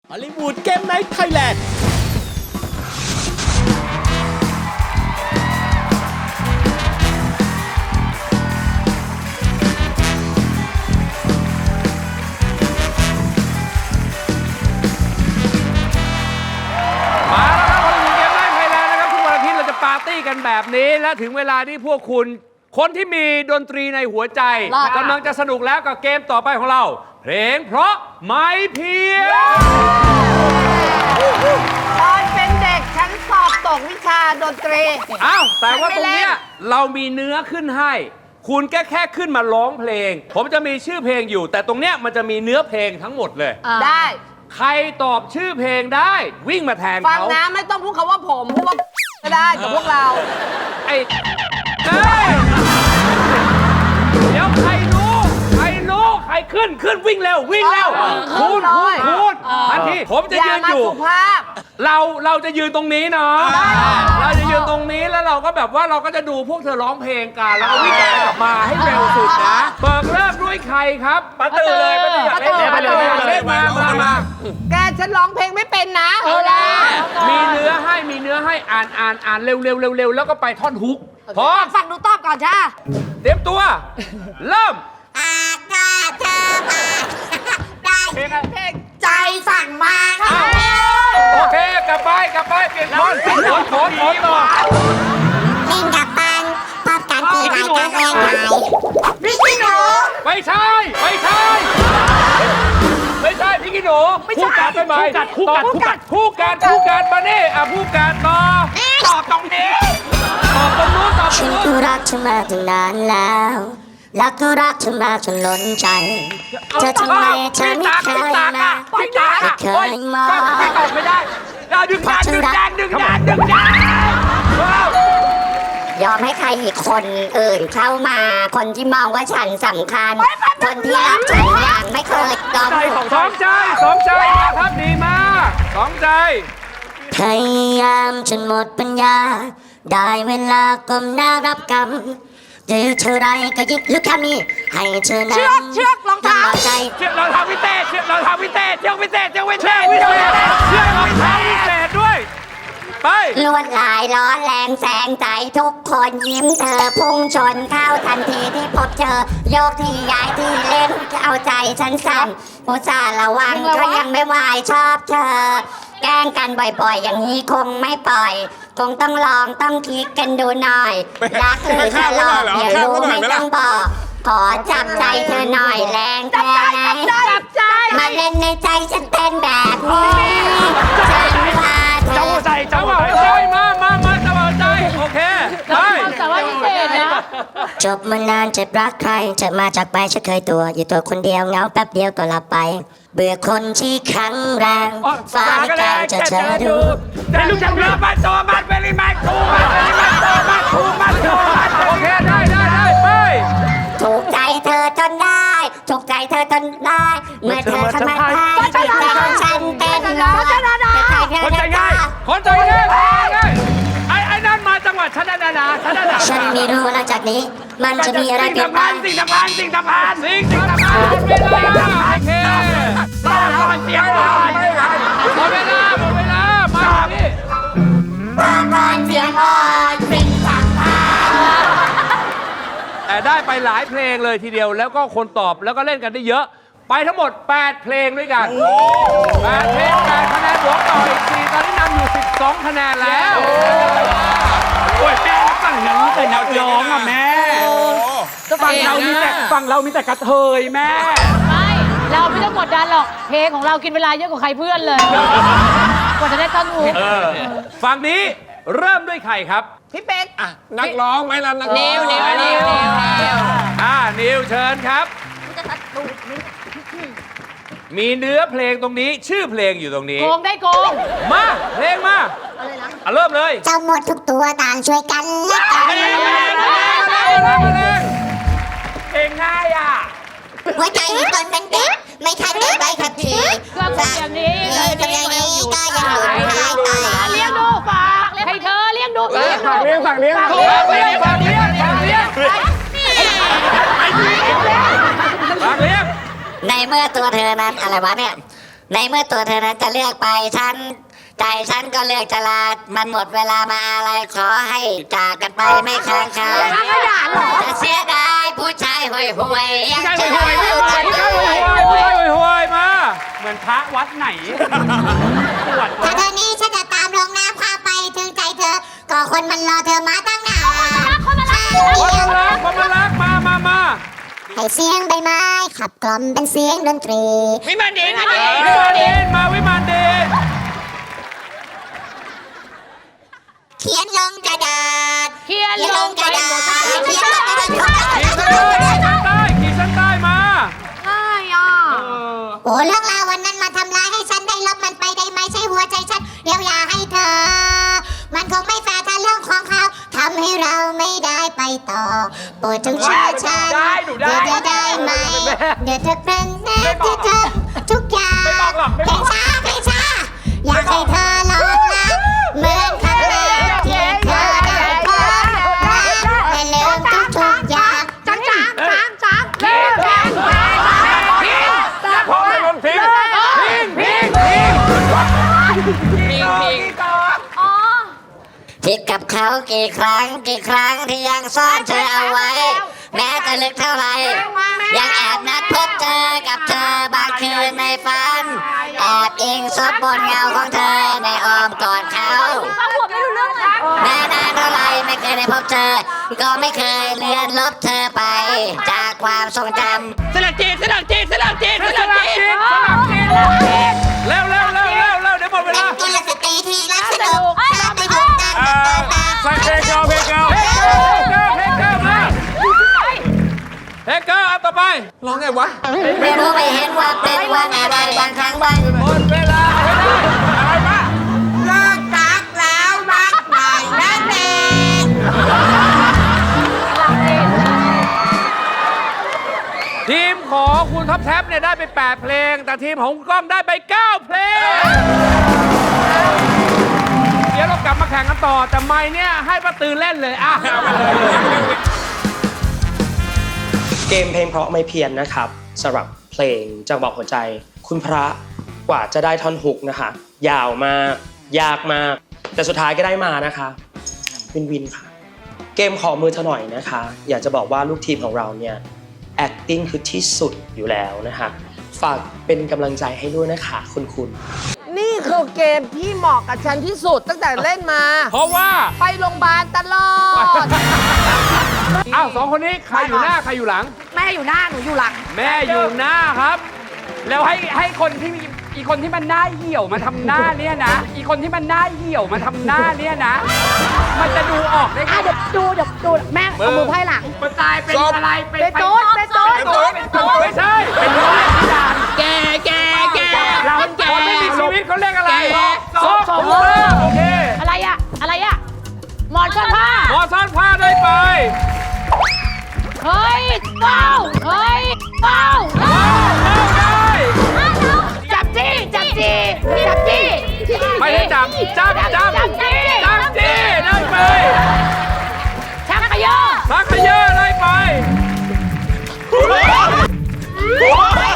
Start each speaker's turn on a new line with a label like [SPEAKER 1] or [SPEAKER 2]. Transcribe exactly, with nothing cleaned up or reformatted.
[SPEAKER 1] ฮอลลีวูดเกมไนท์ไทยแลนด์
[SPEAKER 2] มาแล้วครับฮอลลีวูดเกมไนท์ไทยแลนด์นะครับทุกวันอาทิตย์เราจะปาร์ตี้กันแบบนี้และถึงเวลาที่พวกคุณคนที่มีดนตรีในหัวใจกำลังจะสนุกแล้วกับเกมต่อไปของเราเพลงเพราะไม่เพี้ยน
[SPEAKER 3] ตอนเป็นเด็กฉันสอบตกวิชาดนตรี
[SPEAKER 2] อ้าวแต่ว่าตรงเนี้ยเรามีเนื้อขึ้นให้ คุณแค่แค่ขึ้นมาร้องเพลง ผมจะมีชื่อเพลงอยู่ แต่ตรงเนี้ยมันจะมีเนื้อเพลงทั้งหมดเลย
[SPEAKER 3] ได้
[SPEAKER 2] ใครตอบชื่อเพลงได้วิ่งมาแทน
[SPEAKER 3] ฟัง
[SPEAKER 2] เขา
[SPEAKER 3] นะไม่ต้องพูดคำว่าผมพูดว่าก็ได้กับพวกเรา
[SPEAKER 2] ไอ้เอ้ยเดี๋ยวใครรู้ใครรู้ใครขึ้นขึ้นวิ่งเร็ววิ่งเร็ว
[SPEAKER 3] เออ
[SPEAKER 2] คูณ
[SPEAKER 3] เอ
[SPEAKER 2] คู
[SPEAKER 3] อ
[SPEAKER 2] ณคูณทันทีผมจะ
[SPEAKER 3] อย่า
[SPEAKER 2] ยืน
[SPEAKER 3] มา
[SPEAKER 2] อยู่
[SPEAKER 3] สุภาพ
[SPEAKER 2] เราเราจะยืนตรงนี้เนาะเราจะยืนตรงนี้แล้วเราก็แบบว่าเราก็จะดูพวกเธอร้องเพลงกันแล้วก็วิ่งกลับไปกลับมาให้เร็วสุดนะเปิดเริ่มด้วยใครครับปาตือเลยปาตืออยากเล่น
[SPEAKER 3] ปาตือ
[SPEAKER 2] อยากเล่นมามามา
[SPEAKER 3] แกฉันร้องเพลงไม่เป็นนะ
[SPEAKER 2] เอาละมีเนื้อให้มีเนื้อให้อ่านอ่านอ่านเร็วเร็วเร็วเร็วแล้วก็ไปท่อนฮุกพร้อม
[SPEAKER 3] ฟังดูตอบก่อนจ้า
[SPEAKER 2] เตรียมตัว เริ่ม
[SPEAKER 3] เพลงเพลงใจสั่งมาค่ะ
[SPEAKER 2] โอเคกลับไปกลับไปเปลี่ยนท่อนขนขนขนต่อ
[SPEAKER 4] เล่นกับปันพบกันที่รายการแรกไทย
[SPEAKER 3] พี่พี่หนู
[SPEAKER 2] ไม่ใช่ไม่ใช่ไม่ใช่พี่กิโหนูคู่กัดไปไหมคู่กัดคู่กัดคู่กัดคู่กัดมานี่อ่ะคู่กัดต่อตอบตรงนี้ตอบตรงนู้นตอบตร
[SPEAKER 4] ฉั
[SPEAKER 2] ง
[SPEAKER 4] น
[SPEAKER 2] นู้น
[SPEAKER 4] ก็รักเธอมาตั้งนานแล้วแล้วก็รักเธอมาจนล้นใจเธอทำไมเธอไม่เคยมาไม่เคยมอง
[SPEAKER 2] ไม่ตอบไม่ได้เราดึงดานดึงดานดึงดานดึงดาน
[SPEAKER 4] ยอมให้ใครอีกคนอื่นเข้ามา คนที่มองว่าฉันสำคัญ คนที่รักฉันอย่างไม่เคยยอม
[SPEAKER 2] สองใจสองใจมาครับดีมากสองใจ
[SPEAKER 4] พยายามจนหมดปัญญา ได้เวลาก้มหน้ารับกรรมหรือเธอไรก็ยิ่งลุกแค่นี้ให้เธอนั้น
[SPEAKER 3] เชือกเชือกรองเท้า
[SPEAKER 4] ทำใจ
[SPEAKER 2] เชือกรองเท้าพิเศษเชือกรองเท้าพิเศษเชือกพิเศษเชือกพิเศษเชือกเชือกรองเท้าพิเศษด้วยไป
[SPEAKER 4] ลวดลายร้อนแรงแสงใจทุกคนยิ้มเธอพุ่งชนเข้าทันทีที่พบเธอ โยกที่ย้ายที่เล่นเอาใจฉันสั่นอุตส่าห์ระวังก็ยังไม่ไหวชอบเธอ แกล้งกันบ่อยๆ อย่างนี้คงไม่ปล่อย คงต้องลองต้องคิดกันดูหน่อยรักหรือจะหลอกอย่ารู้ไม่ต้องบอก ขอจับใจเธอหน่อยแรงแค่ไหน
[SPEAKER 3] จับใจ
[SPEAKER 4] มาเล่นในใจฉันเป็นแบบนี้ฉันว่าเธ
[SPEAKER 2] จังห
[SPEAKER 4] อ
[SPEAKER 2] วะใจจังหวะใจมามามาจังหวะใจโอเคไป
[SPEAKER 5] แต่ว่าพิเศษนะ
[SPEAKER 4] จบมานานจะรักใครจะมาจากไปฉันเคยตัว อยู่ตัวคนเดียวเหงาแป๊บเดียวก็หลับไป เบื่อคนที่แข็งแรงฟ้าไม่แกล้งจะเธอดู
[SPEAKER 2] แต่ลูกจังเรือมาโตมาเป็นริมาทูมาเป็นริมาโตมาทูมาโตมาโอเคได้ได้ได้ไป
[SPEAKER 4] ถูกใจเธอจนได้ถูกใจเธอจนได้เมื่อเธอทำไมให้ใจของฉันเต้นรอเธอใครเธอ
[SPEAKER 2] คนใจ
[SPEAKER 4] ได้
[SPEAKER 2] ง่ายคนใจง่ายไอ้ไอ้นั่นมาจังหวัดชันนานาชันนานา
[SPEAKER 4] ฉันไม่รู้หลังจากนี้ มันจะมีอะไรเปลี่ยนไป
[SPEAKER 2] สิ่งสำคัญสิ่งสำคัญสิ่งสำคัญสิ่งสำคัญเวลาโอเคต่อก่อนเสียงก่อนหมดเวลาหมดเวลามาพี่
[SPEAKER 4] ก่อนเสียงอ่อนสิ่งสำคัญ
[SPEAKER 2] แต่ได้ไปหลายเพลงเลยทีเดียวแล้วก็คนตอบแล้วก็เล่นกันได้เยอะ ไปทั้งหมดแปดเพลงด้วยกันแปดเพลงแปดคะแนนบวกต่ออีกสี่ตอนนี้นำอยู่สิบสองคะแนนแล้วโอ้ยแม่ฝั่งนั้นแต่นักร้องอ่ะแม่ฝั่งเรามีแต่ฝั่งเรามีแต่กระเทยแม่
[SPEAKER 5] ไม่ เราไม่ต้องกดดันหรอก เพลงของเรากินเวลาเยอะกว่าใครเพื่อนเลยกว่าจะได้ต้นหู
[SPEAKER 2] ฝั่งนี้เริ่มด้วยใครครับ
[SPEAKER 3] พี่เป๊ก
[SPEAKER 6] นักร้องไหมล่ะนักร้อง
[SPEAKER 3] นิวนิวนิวนิว
[SPEAKER 2] อ่านิวเชิญครับ มีเนื้อเพลงตรงนี้ชื่อเพลงอยู่ตรงนี้
[SPEAKER 5] โกงได้โกง
[SPEAKER 2] มาเพลงมาอ่ะเริ่มเลย
[SPEAKER 4] เจ้าหมดทุกตัวต่างช่วยกันและกัน
[SPEAKER 2] เพลงเพลงง่ายอ่ะ
[SPEAKER 4] หัวใจตอนเป็นเด็กไม่ทันได้ใบขับขี่
[SPEAKER 5] เครื่องเป็นอย่างนี้
[SPEAKER 4] เออทำอย่างนี้ก็ยังหลุดหายไป
[SPEAKER 5] เลี้ยงดูฝากให้เธอเลี้ยงดูเลี้ยงดู
[SPEAKER 6] เลี้ยงสั่งเลี้ยง
[SPEAKER 2] ฝากเลี้ยงฝากเลี้ยงฝากเลี้ยงฝากเลี้ยง
[SPEAKER 4] ในเมื่อตัวเธอนั้นอะไรวะเนี่ยในเมื่อตัวเธอนั้นจะเลือกไปฉันใจฉันก็เลือกจะลา มันหมดเวลามาอะไรขอให้จากกันไปไม่ค้างคาจะเสียดายผู้ชายห่วยห่วยๆยัง
[SPEAKER 2] ใช่
[SPEAKER 4] จะ
[SPEAKER 2] ห่วยๆไม่ห่วยๆห่วยๆห่วยๆห่วยๆมา
[SPEAKER 7] เหมือนพระวัดไหนปวด
[SPEAKER 3] ถ้าเธอนี้ฉันจะตามลงน้ำพาไปถึงใจเธอ ก็คนมันรอเธอมาตั้งนาน
[SPEAKER 2] คนมารักคนมารักมามามา
[SPEAKER 3] ให้เสียงใบไม้ขับกล่อมเป็นเสียงดนตรี
[SPEAKER 7] วิมานดีนะ
[SPEAKER 2] วิมานเดนมาวิมานเดน
[SPEAKER 3] เขียนลงกระดาษ
[SPEAKER 5] เขียนลงไปหมด
[SPEAKER 3] เขียนลงกระดาษ
[SPEAKER 2] ขีดเส้นใต้ขีดเส้นใต้ขีดเส้นใต้มา
[SPEAKER 5] ง่ายอ่ะ
[SPEAKER 3] โอ้เรื่องราววันนั้นมาทำร้ายให้ฉันได้ลบมันไปได้ไหมใช่หัวใจฉันเดี๋ยวอย่าให้เธอ มันคงไม่แฟร์ถ้าเรื่องของเขาทำให้เราไม่ได้ไปต่อโปรดจงเชื่อฉันเดี๋ยวจะได้ไหมเดี๋ยวเธอเป็นแน่ที่เธอทุกอย่างเพลงช้าเพลงช้าอยากให้เธอลองรักเหมือนครั้งแรกที่เธอได้พบรักและลืมทุกทุกอย่างจังจังจังจังเลิกแรง
[SPEAKER 2] พร้อมให้คนทิ้งทิ้งทิ้งทิ้ง
[SPEAKER 7] พิงพิง
[SPEAKER 4] ผิดกับเขากี่ครั้งกี่ครั้งที่ยังซ่อนเธอเอาไว้ แม้จะลึกเท่าไหร่ยังแอบนัดพบเจอกับเธอบางคืนในฝันแอบอิงซบบนเงาของเธอในอ้อมกอดเขาแม้นานเท่าไหร่ไม่เคยได้พบเจอ ก็ไม่เคยเลือนลบเธอไป จากความทรงจำ
[SPEAKER 7] สลักจีนสลักจีนสลักจีนส
[SPEAKER 2] ส
[SPEAKER 7] ลัก
[SPEAKER 2] ลับ
[SPEAKER 7] จีน
[SPEAKER 2] จีนสลับจีนเร็วเร็วเร็วเร็วเร็วเดี๋ยวหมดเว
[SPEAKER 3] เป็น
[SPEAKER 2] ลา
[SPEAKER 3] กุลสตรีที่รักสนุกชอบไปดูกัน
[SPEAKER 2] อ่าใส่เพลงเก่าเพลงเก่าเพลงเก่าเพลงเก่ามาเพลงเก่าอันต่อไป
[SPEAKER 6] ร้องไงวะ
[SPEAKER 4] ไม่รู้ไม่เห็นว่าเป็นวันอะไรบางครั้งบาง
[SPEAKER 2] หมดเวลาไม่ได้อะไรมา
[SPEAKER 3] เลิกรักแล้วรักใหม่นั่นเอง
[SPEAKER 2] ทีมของคุณท็อปแท็บเนี่ยได้ไปแปดเพลง แต่ทีมของคุณก้องได้ไปเก้าเพลง เดี๋ยวเรากลับมาแข่งกันต่อ แต่ไม่เนี่ยให้ป้าตือเล่นเลยอ่ะ
[SPEAKER 8] เกมเพลงเพราะไม่เพี้ยนนะครับสำหรับเพลงจังหวะหัวใจ คุณพระกว่าจะได้ท่อนฮุกนะคะ ยาวมากยากมาก แต่สุดท้ายก็ได้มานะคะวินวินค่ะ เกมขอมือเธอหน่อยนะคะ อยากจะบอกว่าลูกทีมของเราเนี่ย acting คือที่สุดอยู่แล้วนะคะฝากเป็นกำลังใจให้ด้วยนะคะคุณคุณ
[SPEAKER 9] นี่คือเกมที่เหมาะกับฉันที่สุดตั้งแต่เล่นมา
[SPEAKER 2] เพราะว่า
[SPEAKER 9] ไปโรงพยาบาลตลอด
[SPEAKER 2] อ้าวสองคนนี้ใครอยู่หน้าใครอยู่หลัง
[SPEAKER 5] แม่อยู่หน้าหนูอยู่หลัง
[SPEAKER 2] แม่อยู่หน้าครับ
[SPEAKER 7] แล้วให้ให้คนที่มีอีกคนที่มันหน้าเหี่ยวมาทำหน้าเนี่ยนะ อีกคนที่มันหน้าเหี่ยวมาทำหน้าเนี่ยนะ มันจะดูออกได้ไง
[SPEAKER 5] อ่ะเดี๋ยวดูเดี๋ยวดูแม่เอามือไพ่หลัง
[SPEAKER 7] มันตายเป็นอะไรเป็น
[SPEAKER 5] เป็นโต๊ดเป็นโต๊ด
[SPEAKER 7] เป็นโต๊ดเป็นโต๊ด
[SPEAKER 2] ไม่ใช่
[SPEAKER 7] เป็นโต๊ดที่ด่านแกแกแกเราแก
[SPEAKER 2] คนไม่มีชีวิตเขาเรียกอะไร
[SPEAKER 7] ศพ
[SPEAKER 2] ศพถูกต้องโอเค
[SPEAKER 5] อะไรอะอะไรอะหมอนก้อนผ้า
[SPEAKER 2] หมอซ่อนผ้าได้ไป
[SPEAKER 5] เฮ้ยเป้าเฮ้ยเป้า
[SPEAKER 2] เอาได้
[SPEAKER 5] จับจี้จับจี้จับจี้
[SPEAKER 2] ไม่ได้จับจับจับ
[SPEAKER 5] จับจี้
[SPEAKER 2] จับจี้ได้ไป
[SPEAKER 5] ชักขยอ
[SPEAKER 2] สักขยะได้ไป
[SPEAKER 5] เฮ้ย